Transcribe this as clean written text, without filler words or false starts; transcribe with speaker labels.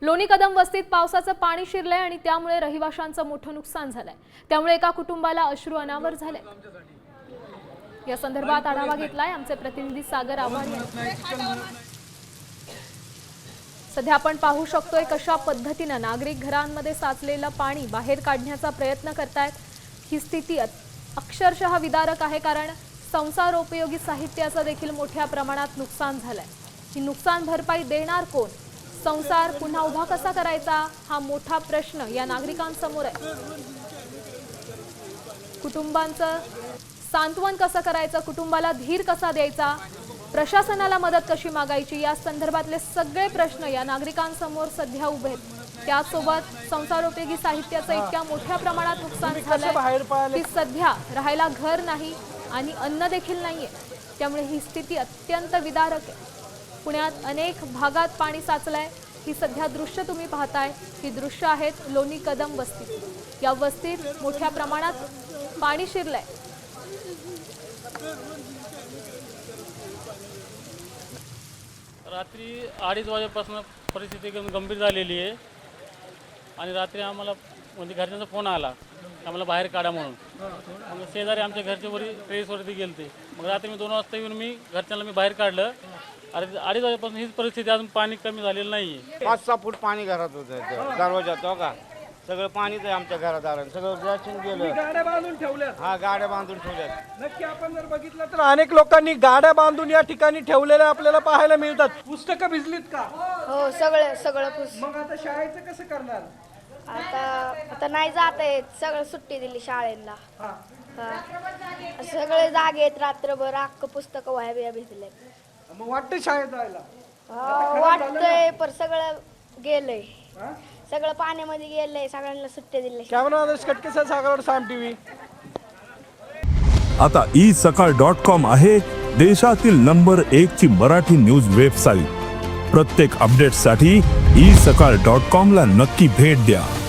Speaker 1: लोणी कदम वस्तीत पावसाचं पाणी शिरलंय आणि त्यामुळे रहिवाशांचं मोठं नुकसान झालंय। त्यामुळे एका कुटुंबाला अश्रू अनावर झाले। या संदर्भात आढावा घेतलाय आमचे प्रतिनिधी सागर आव्हाड यांनी। सध्या आपण पाहू शकतोय कशा पद्धतीने नागरिक घरांमध्ये साचलेलं पाणी बाहेर काढण्याचा प्रयत्न करतायत। ही स्थिती अक्षरशः विदारक आहे, कारण संसारोपयोगी साहित्याचं देखील मोठ्या प्रमाणात नुकसान झालंय। ही नुकसान भरपाई देणार कोण? संसार पुन्हा उभा कसा करायचा हा मोठा प्रश्न या नागरिकांसमोर आहे। कुटुंबांचं सांत्वन कसं करायचं, कुटुंबाला धीर कसा द्यायचा, प्रशासनाला मदत कशी मागायची, या संदर्भातले सगळे प्रश्न या नागरिकांसमोर सध्या उभे आहेत। त्यासोबत संसारोपयोगी साहित्याचं इतक्या मोठ्या प्रमाणात नुकसान झालंय की सध्या राहायला घर नाही आणि अन्न देखील नाहीये। त्यामुळे ही स्थिती अत्यंत विदारक आहे। पुण्यात अनेक भागात पाणी साचलंय। ही सध्या दृश्य तुम्ही पाहताय, ही दृश्य आहेत लोणी कदम वस्ती। या वस्तीत मोठ्या प्रमाणात पाणी शिरलंय।
Speaker 2: रात्री 2:30 वाजेपासून परिस्थिती गंभीर झालेली आहे आणि रात्री आम्हाला म्हणजे घरच्यांचा फोन आला आम्हाला बाहेर काढा म्हणून। मग शेजारी आमच्या घरच्या वरी टेरेसवरती गेलते। मग रात्री मी 2 वाजता येऊन घरच्यांना बाहेर काढलं। अरे 2:30 वाजेपासून हीच परिस्थिती, अजून पाणी कमी झालेलं नाही आहे।
Speaker 3: 5-6 फूट पाणी घरात होतं, दरवाजात हो का सगळं पाणीच आहे आमच्या घरादारात, सगळं रॅशन गेलं।
Speaker 4: गाड्या बांधून ठेवल्या।
Speaker 3: हा, गाड्या बांधून ठेवल्यात।
Speaker 4: नक्की आपण जर बघितलं तर अनेक लोकांनी गाड्या बांधून या ठिकाणी ठेवलेल्या आपल्याला पाहायला मिळतात। पुस्तकं भिजलीत का?
Speaker 5: हो, सगळं
Speaker 4: मग आता शाळेचं कसं करणार?
Speaker 5: आता नाही जात आहेत, सगळं सुट्टी दिली शाळेला।
Speaker 4: हा.
Speaker 5: सगळे जागे आहेत, रात्रभर अख्खं पुस्तकं वह्या बिया भिजले।
Speaker 4: मग वाटतं शाळेत जायला?
Speaker 5: वाटतंय पण सगळं गेलंय,
Speaker 4: हा?
Speaker 5: सगळं पाण्यामध्ये गेलंय, सगळ्यांना सुट्टी दिली।
Speaker 4: कॅमेरा आदर्श कटकेसह सागर साम टीव्ही।
Speaker 6: आता isakal.com आहे देशातील नंबर 1 ची मराठी न्यूज वेबसाईट। प्रत्येक अपडेटसाठी isakal.com ला नक्की भेट द्या।